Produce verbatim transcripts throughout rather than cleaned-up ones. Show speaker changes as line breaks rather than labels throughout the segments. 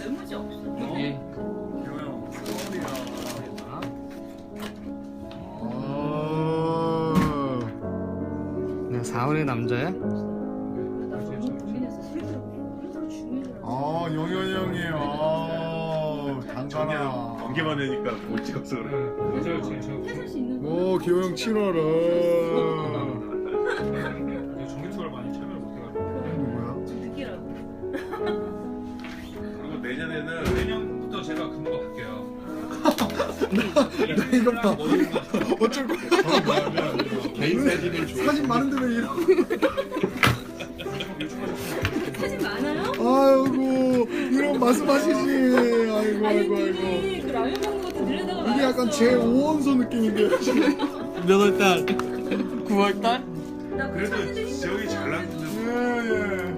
메모지 없어.
여기.
기호형 서울이야.
네, 사월의 남자야?
아 영현이 형이 아 단단하.
경계만 되니까 못 찍어서 그래.
맞아요, 지금 저
해설 수 있는 거.
오 기호형 칠월아.
전기 투어를 많이 참여를 못해가지고.
누구야?
좀 느끼라고.
그리고 내년에는
내년부터 제가 근무가 바뀌어요.
이거 봐. 어쩔 거야?
개인 사진을 줘.
사진 많은데 왜 이러?
사진 많아요?
아이고 이런 말씀하시지. 아이고
아니
아이고 아이고.
미리 그 라면 먹는 것도 늘려다가
이게 약간 제 오원소 느낌인데요 지금.
몇 월 달? 구월 달?
나
그래도 지역이 잘 나는데.
예예.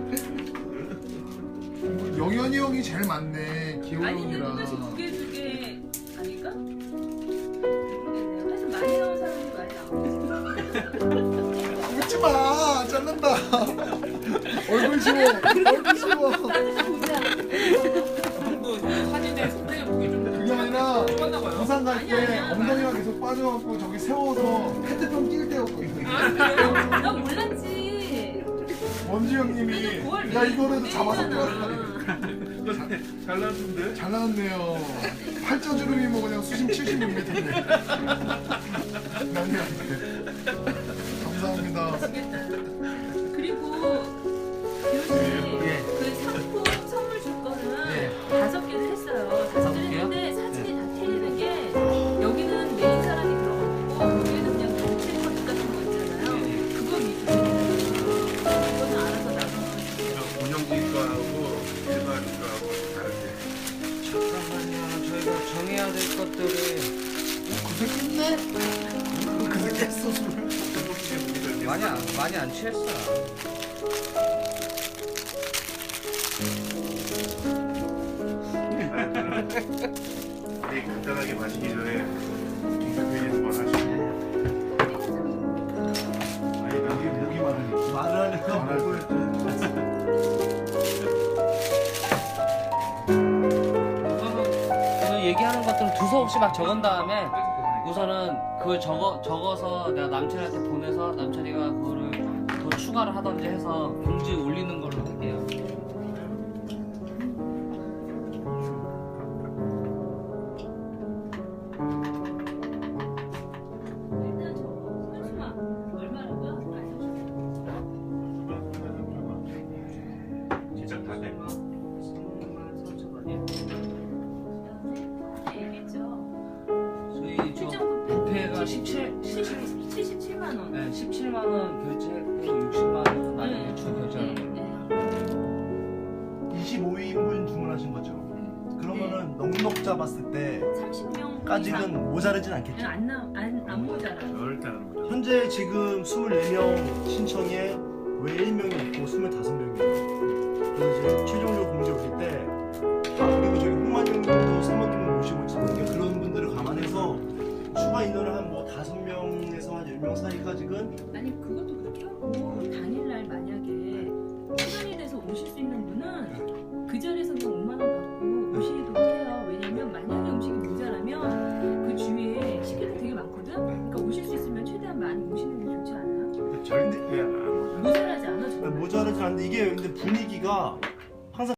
영현이 형이 제일 많네. 기호
아니 근데
형이랑.
똑같이 두개 두 개 아닐까? 모르겠네요. 하여튼 많이 나온 사람이 많이 나오고.
웃지 마. 잘난다. 얼굴 지워. 얼굴 지워.
보자.
형도 사진에 속대가 보기 좀
그게 아니라
좁았나 봐요.
부산 갈
아니야,
때
아니야.
엉덩이가 계속 빠져갖고 저기 세워서 페트병 낄 때였거든.
나 몰랐지.
원지 형님이
그래도 구월
야 이거라도 잡아서
내일이잖아.
잘 나는데?
잘 나왔네요. 팔자주름이 뭐 그냥 수심 칠십육 미터인데. 난리 났네. 감사합니다.
미치겠다. 그리고 기호씨 그 상품 선물 줄 거는
예.
다섯 개를 했어요. 다섯
다섯
개를
개요?
했는데 사진이 다 틀리는 게 여기는 메인 사람이 들어갔고 여기는 그냥 단체 컷 같은 거 있잖아요. 그거 위주로 그거는 알아서 나눠서
운영진과하고 일반과하고 다르게.
잠깐만요. 저희가 정해야 될 것들이
그새 끝내? 그새 깼어 술을.
많이 안, 많이 안 취했어.
우리 간단하게 마시기 전에 공개회의 한번 하시고.
아니 여기 목이 많으니까 말을 하니까 목을
저는 얘기하는 것들은 두서없이 막 적은 다음에 우선은 그걸 적어, 적어서 내가 남편한테 보내서 남편이가 그거를 더 추가를 하던지 해서 공지에 올리는 걸로 할게요.
일단 저 현수막 얼마라고요? 알려주세요.
제작 다 돼?
얘기했죠.
저희 저
최저금
부페가 십칠,
칠십칠만 원.
네, 십칠만 원 결제했고 육십만 원 나중에 추 결제하는 걸로.
이십오 인분 주문하신 거죠? 그러면은 넉넉 잡았을
삼십 명
때까지는 모자르진 않겠죠?
안안 모자라.
절대 안 합니다.
현재 지금 이십사 명 신청에 왜 일 명이 있고 이십오 명이에요. 그래서 이제 최종적으로 공지 올릴 때 아, 그리고 저기 홍만영님도 사모님을 모시고 있는데 그런 분들을 감안해서 추가 인원을 한 뭐 다섯 명에서 한 열 명 사이까지는
아니 그것도 그렇게 하고 당일날 만약에 시간이 돼서 오실 수 있는 분은 그 자리에서 그냥 오만 원 받고 오시도록 해요. 왜냐면 만약에 음식이 모자라면 그 주위에 식구들 되게 많거든. 그러니까 오실 수 있으면 최대한 많이 오시는 게 좋지 않아요?
절대 안
모자라지 않아 정말.
모자르진 않는데 이게 근데 분위기가